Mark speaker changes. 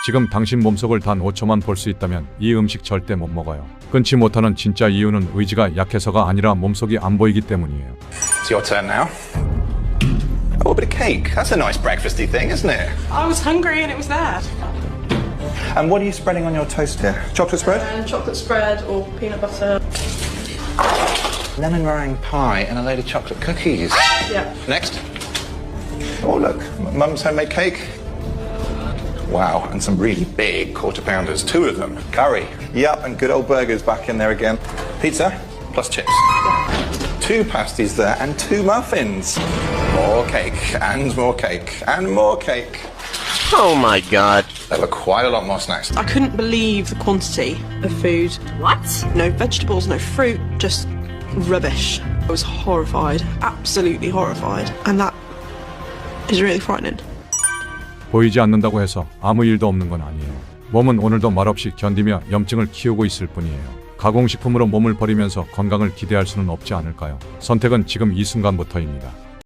Speaker 1: 지금 당신 몸속을 단 5초만 볼 수 있다면 이 음식 절대 못 먹어요. 끊지 못하는 진짜 이유는 의지가 약해서가 아니라 몸속이 안 보이기 때문이에요.
Speaker 2: It's your turn now. Oh, a bit of cake. That's a nice breakfasty thing, isn't it?
Speaker 3: I was hungry and it was there.
Speaker 2: And what are you spreading on your toast here? Chocolate spread?
Speaker 3: And chocolate spread or peanut butter.
Speaker 2: Lemon meringue pie and a load of chocolate cookies.
Speaker 3: Yeah.
Speaker 2: Next. Oh, look. Mum's homemade cake. Wow, and some really big quarter pounders, 2 of them. Curry. Yep, and good old burgers back in there again. Pizza, plus chips. 2 pasties there and 2 muffins. More cake, and more cake, and more cake.
Speaker 4: Oh my god.
Speaker 2: There were quite a lot more snacks.
Speaker 3: I couldn't believe the quantity of food.
Speaker 5: What?
Speaker 3: No vegetables, no fruit, just rubbish. I was horrified, absolutely horrified. And that is really frightening.
Speaker 1: 보이지 않는다고 해서 아무 일도 없는 건 아니에요. 몸은 오늘도 말없이 견디며 염증을 키우고 있을 뿐이에요. 가공식품으로 몸을 버리면서 건강을 기대할 수는 없지 않을까요? 선택은 지금 이 순간부터입니다.